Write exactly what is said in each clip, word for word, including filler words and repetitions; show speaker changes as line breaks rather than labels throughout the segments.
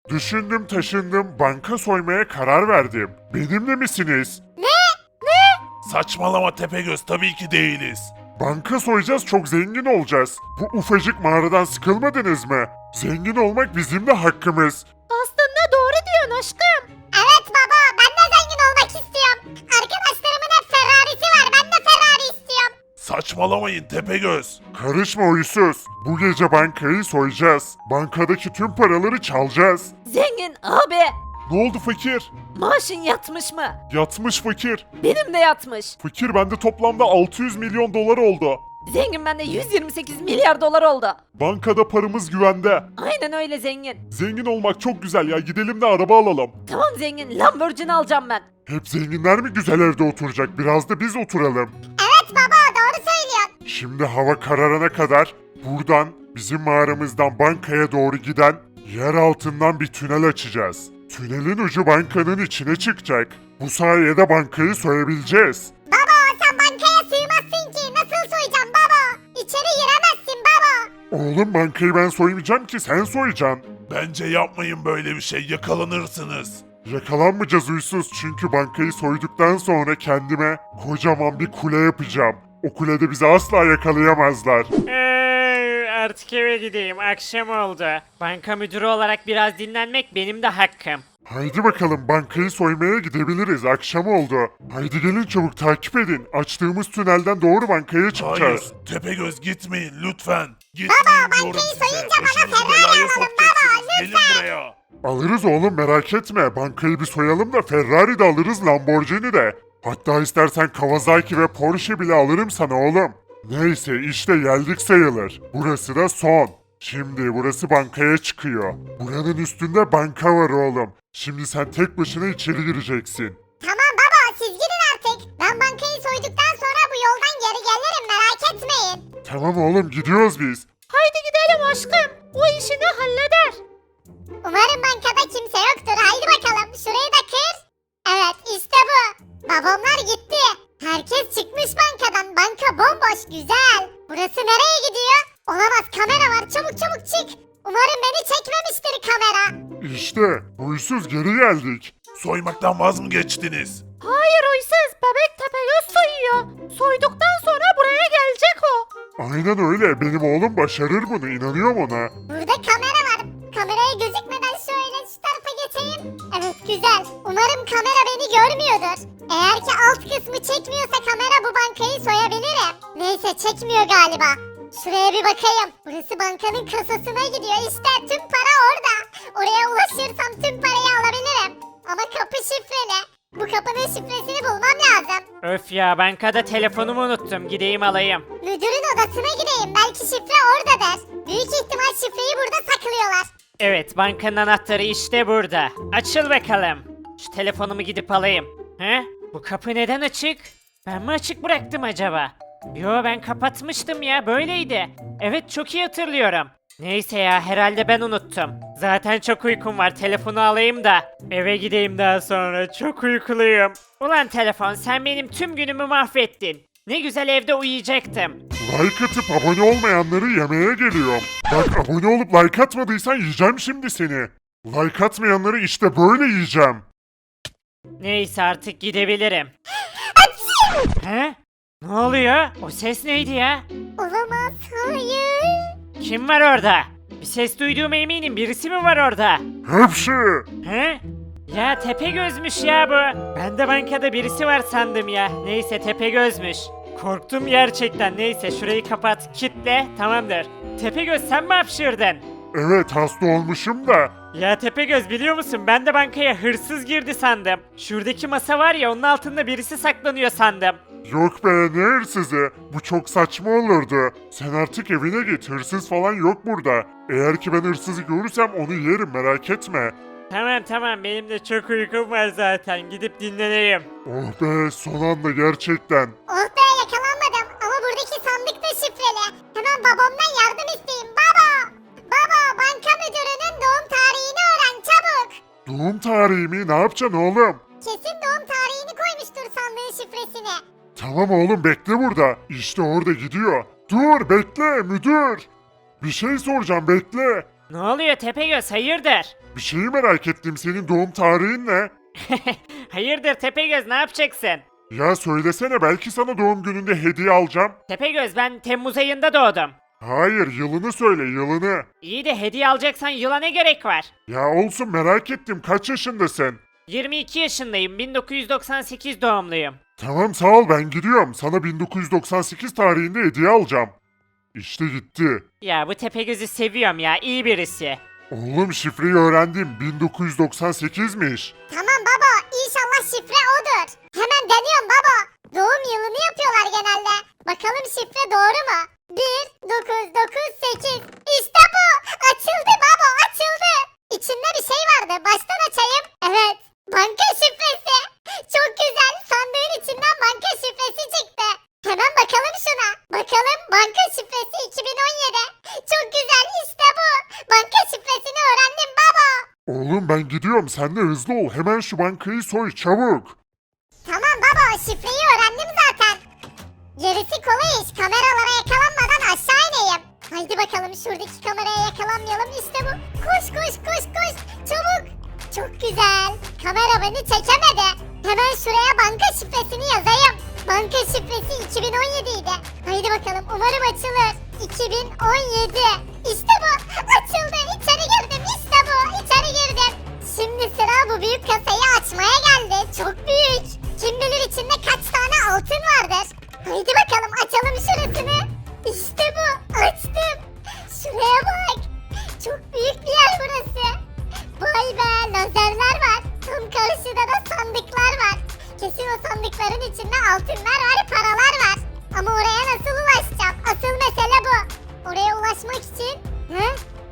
Düşündüm taşındım banka soymaya karar verdim. Benimle misiniz?
Saçmalama Tepegöz, tabii ki değiliz.
Banka soyacağız, çok zengin olacağız. Bu ufacık mağaradan sıkılmadınız mı? Zengin olmak bizim de hakkımız.
Aslında doğru diyorsun aşkım.
Evet baba, ben de zengin olmak istiyorum. Arkadaşlarımın hep Ferrari'si var, ben de Ferrari istiyorum.
Saçmalamayın Tepegöz.
Karışma huysuz. Bu gece bankayı soyacağız. Bankadaki tüm paraları çalacağız.
Zengin abi.
Ne oldu fakir?
Maaşın yatmış mı?
Yatmış fakir.
Benim de yatmış.
Fakir bende toplamda altı yüz milyon dolar oldu.
Zengin bende yüz yirmi sekiz milyar dolar oldu.
Bankada paramız güvende.
Aynen öyle zengin.
Zengin olmak çok güzel ya, gidelim de araba alalım.
Tamam zengin, Lamborghini alacağım ben.
Hep zenginler mi güzel evde oturacak? Biraz da biz oturalım.
Evet baba, doğru söylüyorsun.
Şimdi hava kararana kadar buradan bizim mağaramızdan bankaya doğru giden yer altından bir tünel açacağız. Tünelin ucu bankanın içine çıkacak. Bu sayede bankayı soyabileceğiz.
Baba, sen bankaya sığmazsın ki. Nasıl soyacaksın baba? İçeri giremezsin baba.
Oğlum bankayı ben soymayacağım ki, sen soyacaksın.
Bence yapmayın böyle bir şey, yakalanırsınız.
Yakalanmayacağız huysuz, çünkü bankayı soyduktan sonra kendime kocaman bir kule yapacağım. O kulede bizi asla yakalayamazlar.
Ee, artık eve gideyim. Akşam oldu. Banka müdürü olarak biraz dinlenmek benim de hakkım.
Haydi bakalım, bankayı soymaya gidebiliriz. Akşam oldu. Haydi gelin çabuk, takip edin. Açtığımız tünelden doğru bankaya
Hayır,
çıkacağız.
Tepegöz gitmeyin lütfen. Gitmeyin diyorum
bankayı
size.
soyunca bana
Başınızı
Ferrari
belaya
alalım
sokacaksınız.
baba,
Gelin
lütfen.
buraya.
Alırız oğlum, merak etme. Bankayı bir soyalım da Ferrari de alırız, Lamborghini de. Hatta istersen Kawasaki ve Porsche bile alırım sana oğlum. Neyse işte geldik sayılır. Burası da son. Şimdi burası bankaya çıkıyor. Buranın üstünde banka var oğlum. Şimdi sen tek başına içeri gireceksin.
Tamam baba, siz gidin artık. Ben bankayı soyduktan sonra bu yoldan geri gelirim, merak etmeyin.
Tamam oğlum, gidiyoruz biz.
Haydi gidelim aşkım. O işini halleder.
Umarım bankada kimse yoktur. Haydi bakalım, şurayı da kır. Evet, işte bu. Babamlar gitti. Herkes çıkmış bankadan. Banka bomboş, güzel. Burası nereye gidiyor? Olamaz, kamera var. Çabuk çabuk çık. Umarım beni çekmemiştir kamera.
İşte huysuz, geri geldik.
Soymaktan vaz mı geçtiniz?
Hayır uysuz, bebek Tepegöz soyuyor. Soyduktan sonra buraya gelecek o.
Aynen öyle, benim oğlum başarır bunu, inanıyorum ona.
Burada kamera var. Kameraya gözükmeden şöyle şu tarafa geçeyim. Evet, güzel. Umarım kamera beni görmüyordur. Eğer ki alt kısmı çekmiyorsa kamera, bu bankayı soyabilirim. Neyse, çekmiyor galiba. Şuraya bir bakayım. Burası bankanın kasasına gidiyor. İşte tüm para orada. Oraya ulaşırsam tüm parayı alabilirim. Ama kapı şifreli. Bu kapının şifresini bulmam lazım.
Öf ya, bankada telefonumu unuttum. Gideyim alayım.
Müdürün odasına gideyim. Belki şifre oradadır. Büyük ihtimal şifreyi burada saklıyorlar.
Evet, bankanın anahtarı işte burada. Açıl bakalım. Şu telefonumu gidip alayım. He? Bu kapı neden açık? Ben mi açık bıraktım acaba? Yo, ben kapatmıştım ya, böyleydi. Evet, çok iyi hatırlıyorum. Neyse ya, herhalde ben unuttum. Zaten çok uykum var, telefonu alayım da eve gideyim daha sonra, çok uykuluyum. Ulan telefon, sen benim tüm günümü mahvettin. Ne güzel evde uyuyacaktım.
Like atıp abone olmayanları yemeye geliyorum. Bak, abone olup like atmadıysan yiyeceğim şimdi seni. Like atmayanları işte böyle yiyeceğim.
Neyse, artık gidebilirim. He? Ne oluyor? O ses neydi ya?
Olamaz, hayır.
Kim var orada? Bir ses duyduğuma eminim, birisi mi var orada?
Hepsi.
He? Ya Tepegöz'müş ya bu. Ben de bankada birisi var sandım ya. Neyse, Tepegöz'müş. Korktum gerçekten. Neyse, şurayı kapat, kitle, tamamdır. Tepegöz, sen mi hapşırdın?
Evet, hasta olmuşum da.
Ya Tepegöz, biliyor musun, ben de bankaya hırsız girdi sandım. Şuradaki masa var ya, onun altında birisi saklanıyor sandım.
Yok be, ne hırsızı? Bu çok saçma olurdu. Sen artık evine git, hırsız falan yok burada. Eğer ki ben hırsızı görürsem onu yerim, merak etme.
Tamam tamam, benim de çok uykum var zaten, gidip dinleneyim.
Oh be, son anda gerçekten.
Oh be, yakalanmadım ama buradaki sandık da şifreli. Hemen babamdan yardım isteyeyim. Baba! Baba, banka müdürünün doğum tarihini öğren çabuk.
Doğum tarihimi ne yapacaksın oğlum?
Kesin doğum tarihini koymuştur sandığın şifresine.
Tamam oğlum, bekle burada. İşte orada gidiyor. Dur, bekle müdür. Bir şey soracağım, bekle.
Ne oluyor Tepegöz, hayırdır?
Bir şeyi merak ettim, senin doğum tarihin ne?
Hayırdır Tepegöz, ne yapacaksın?
Ya söylesene, belki sana doğum gününde hediye alacağım.
Tepegöz, ben Temmuz ayında doğdum.
Hayır, yılını söyle, yılını.
İyi de hediye alacaksan yıla ne gerek var?
Ya olsun, merak ettim, kaç yaşındasın?
yirmi iki yaşındayım, bin dokuz yüz doksan sekiz doğumluyum.
Tamam, sağ ol, ben gidiyorum. Sana bin dokuz yüz doksan sekiz tarihinde hediye alacağım. İşte gitti.
Ya bu Tepegöz'ü seviyorum ya, iyi birisi.
Oğlum, şifreyi öğrendim, bin dokuz yüz doksan sekizmiş.
Tamam baba, inşallah şifre odur. Hemen deniyorum baba. Doğum yılını yapıyorlar genelde. Bakalım şifre doğru mu? bir dokuz dokuz sekiz. İşte bu. Açıldı baba, açıldı. İçinde bir şey vardı. Baştan açayım. Evet. Banka şifresi. Çok güzel. Sandığın içinden banka şifresi çıktı. Hemen bakalım şuna. Bakalım, banka şifresi iki bin on yedi. Çok güzel, işte bu. Banka şifresini öğrendim baba.
Oğlum, ben gidiyorum, sen de hızlı ol, hemen şu bankayı soy, çabuk.
Tamam baba, şifreyi öğrendim zaten. Gerisi kolay iş. Kameralara yakalanmadan aşağı ineyim. Haydi bakalım, şuradaki kameraya yakalanmayalım. İşte bu. Koş koş koş koş. Çabuk. Çok güzel. Kamera beni çekemedi. Hemen şuraya banka şifresini yazayım. Banka şifresi iki bin on yedi idi. Haydi bakalım, umarım açılır. iki bin on yedi. İşte bu. Açıldı. İçeri girdim. İşte bu. İçeri girdim. Şimdi sıra bu büyük kasayı açmaya geldi. Çok büyük. Kim bilir içinde kaç tane altın vardır. Haydi bakalım, açalım şurasını. İşte bu. Açtım. Şuraya bak. Çok büyük bir yer burası. Vay be, lazerler var. Tam karşıda da sandıklar var. Kesin o sandıkların içinde altınlar var, paralar var. Ama oraya nasıl ulaşacağım? Asıl mesele bu. Oraya ulaşmak için... Hı?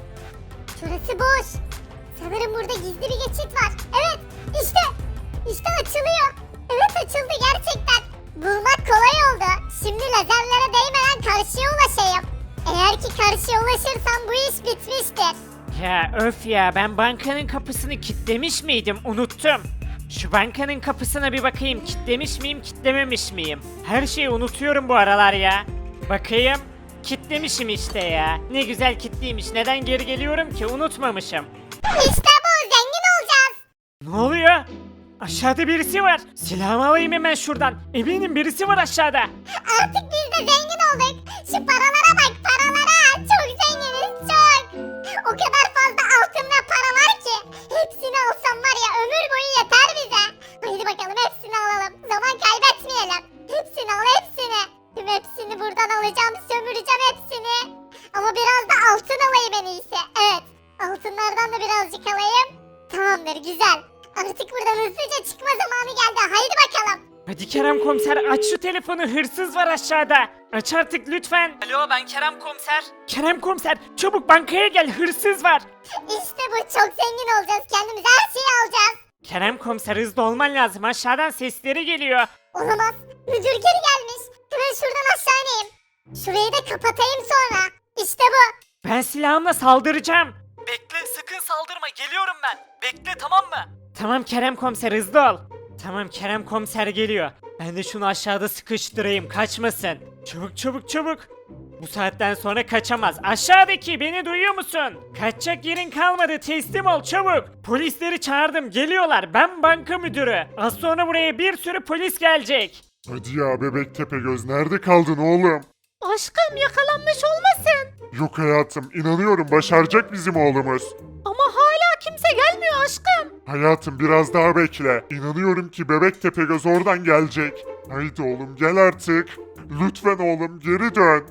Şurası boş. Sanırım burada gizli bir geçit var. Evet, işte. İşte açılıyor. Evet, açıldı gerçekten. Bulmak kolay oldu. Şimdi lazerlere değmeden karşıya ulaşayım. Eğer ki karşıya ulaşırsam bu iş bitmiştir.
Ya öf ya, ben bankanın kapısını kilitlemiş miydim, unuttum. Şu bankanın kapısına bir bakayım, kilitlemiş miyim kilitlememiş miyim? Her şeyi unutuyorum bu aralar ya. Bakayım, kilitlemişim işte ya. Ne güzel kilitliymiş, neden geri geliyorum ki, unutmamışım.
İşte bu, zengin olacağız.
Ne oluyor? Aşağıda birisi var. Silahımı alayım hemen şuradan. Eminim birisi var aşağıda.
Artık biz de zengin olduk. Şu paralara bak, paralara. Çok zenginiz, çok. O kadar fazla altın ve para var ki. Hepsini alsam var ya, ömür boyu yeter bize. Haydi bakalım, hepsini alalım. Zaman kaybetmeyelim. Hepsini al, hepsini. Tüm hepsini buradan alacağım, sömüreceğim hepsini. Ama biraz da altın alayım en iyisi. Evet, altınlardan da birazcık alayım. Tamamdır, güzel. Artık buradan hızlıca çıkma zamanı geldi. Haydi bakalım.
Hadi Kerem komiser, aç şu telefonu, hırsız var aşağıda. Aç artık lütfen. Alo, ben Kerem komiser. Kerem komiser, çabuk bankaya gel, hırsız var.
İşte bu, çok zengin olacağız. Kendimize her şeyi alacağız.
Kerem komiser, hızlı olman lazım, aşağıdan sesleri geliyor.
Olamaz. Müdür geri gelmiş. Hemen şuradan aşağı ineyim. Şurayı da kapatayım sonra. İşte bu.
Ben silahımla saldıracağım.
Bekle, sakın saldırma, geliyorum ben. Bekle, tamam mı?
Tamam Kerem komiser, hızlı ol. Tamam, Kerem komiser geliyor. Ben de şunu aşağıda sıkıştırayım, kaçmasın. Çabuk çabuk çabuk. Bu saatten sonra kaçamaz. Aşağıdaki, beni duyuyor musun? Kaçacak yerin kalmadı, teslim ol çabuk. Polisleri çağırdım, geliyorlar. Ben banka müdürü. Az sonra buraya bir sürü polis gelecek.
Hadi ya bebek Tepegöz, nerede kaldın oğlum?
Aşkım, yakalanmış olmasın?
Yok hayatım, inanıyorum başaracak bizim oğlumuz.
Ama hala kimse gelmiyor aşkım.
Hayatım, biraz daha bekle. İnanıyorum ki bebek Tepegöz oradan gelecek. Haydi oğlum, gel artık. Lütfen oğlum, geri dön.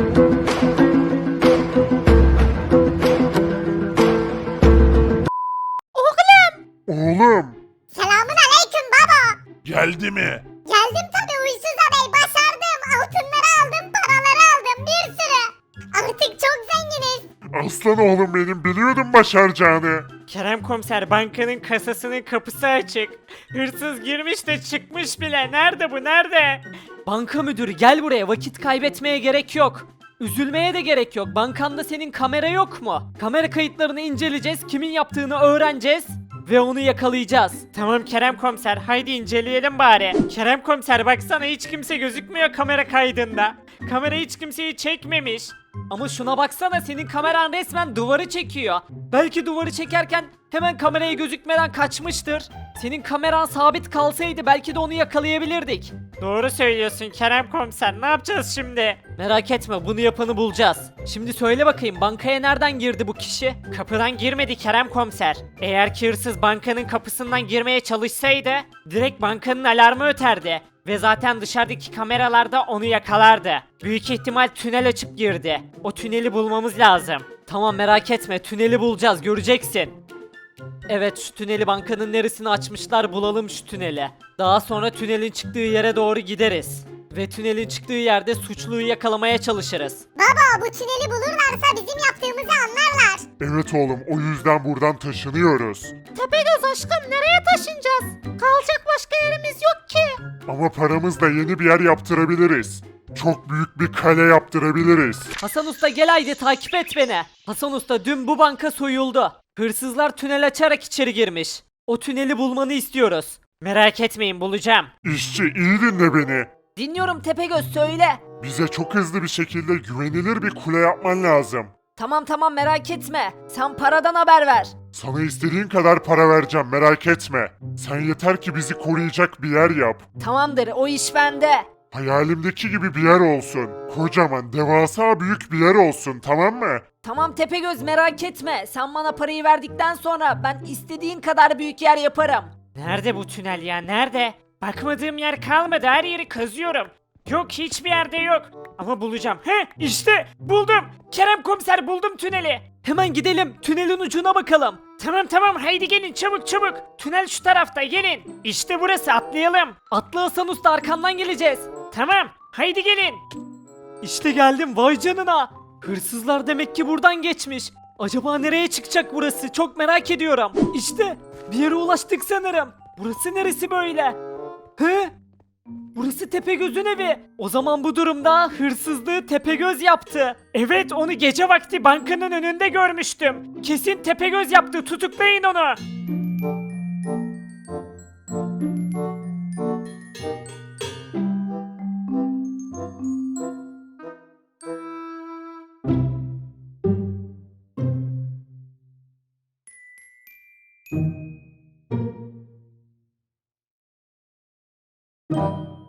Oğlum.
Oğlum.
Selamun aleyküm baba.
Geldi mi?
Geldim tabii Uysuz Bey. Başardım. Altınları aldım, paraları aldım. Bir sürü. Artık çok zenginiz.
Aslan oğlum benim, biliyordum başaracağını.
Kerem komiser, bankanın kasasının kapısı açık. Hırsız girmiş de çıkmış bile. Nerede bu, nerede?
Banka müdürü, gel buraya, vakit kaybetmeye gerek yok. Üzülmeye de gerek yok. Bankanda senin kamera yok mu? Kamera kayıtlarını inceleyeceğiz, kimin yaptığını öğreneceğiz ve onu yakalayacağız.
Tamam Kerem komiser, haydi inceleyelim bari. Kerem komiser, baksana, hiç kimse gözükmüyor kamera kaydında. Kamera hiç kimseyi çekmemiş.
Ama şuna baksana, senin kameran resmen duvarı çekiyor. Belki duvarı çekerken hemen kameraya gözükmeden kaçmıştır. Senin kameran sabit kalsaydı belki de onu yakalayabilirdik.
Doğru söylüyorsun Kerem komiser, ne yapacağız şimdi?
Merak etme, bunu yapanı bulacağız. Şimdi söyle bakayım, bankaya nereden girdi bu kişi?
Kapıdan girmedi Kerem komiser. Eğer ki hırsız bankanın kapısından girmeye çalışsaydı direkt bankanın alarmı öterdi. Ve zaten dışarıdaki kameralarda onu yakalardı. Büyük ihtimal tünel açıp girdi. O tüneli bulmamız lazım.
Tamam, merak etme, tüneli bulacağız, göreceksin. Evet, şu tüneli, bankanın neresini açmışlar, bulalım şu tüneli. Daha sonra tünelin çıktığı yere doğru gideriz. Ve tünelin çıktığı yerde suçluyu yakalamaya çalışırız.
Baba bu tüneli bulurlarsa bizim yaptığımızı anlarlar.
Evet oğlum, o yüzden buradan taşınıyoruz.
Tepegöz aşkım nereye taşınacağız? Kalacak başka yerimiz yok ki.
Ama paramızla yeni bir yer yaptırabiliriz. Çok büyük bir kale yaptırabiliriz.
Hasan Usta, gel haydi takip et beni. Hasan Usta, dün bu banka soyuldu. Hırsızlar tünel açarak içeri girmiş. O tüneli bulmanı istiyoruz.
Merak etmeyin, bulacağım.
İşçi, iyi dinle beni.
Dinliyorum Tepegöz, söyle.
Bize çok hızlı bir şekilde güvenilir bir kule yapman lazım.
Tamam tamam, merak etme. Sen paradan haber ver.
Sana istediğin kadar para vereceğim, merak etme. Sen yeter ki bizi koruyacak bir yer yap.
Tamamdır, o iş bende.
Hayalimdeki gibi bir yer olsun. Kocaman, devasa büyük bir yer olsun, tamam mı?
Tamam Tepegöz, merak etme. Sen bana parayı verdikten sonra ben istediğin kadar büyük yer yaparım.
Nerede bu tünel ya, nerede? Bakmadığım yer kalmadı, her yeri kazıyorum. Yok, hiçbir yerde yok. Ama bulacağım. He, işte buldum. Kerem komiser, buldum tüneli.
Hemen gidelim, tünelin ucuna bakalım.
Tamam tamam, haydi gelin çabuk çabuk. Tünel şu tarafta, gelin. İşte burası, atlayalım.
Atla Hasan Usta, arkandan geleceğiz.
Tamam, haydi gelin.
İşte geldim, vay canına. Hırsızlar demek ki buradan geçmiş. Acaba nereye çıkacak burası? Çok merak ediyorum. İşte bir yere ulaştık sanırım. Burası neresi böyle? He? Burası Tepegöz'ün evi. O zaman bu durumda hırsızlığı Tepegöz yaptı.
Evet, onu gece vakti bankanın önünde görmüştüm. Kesin Tepegöz yaptı, tutuklayın onu.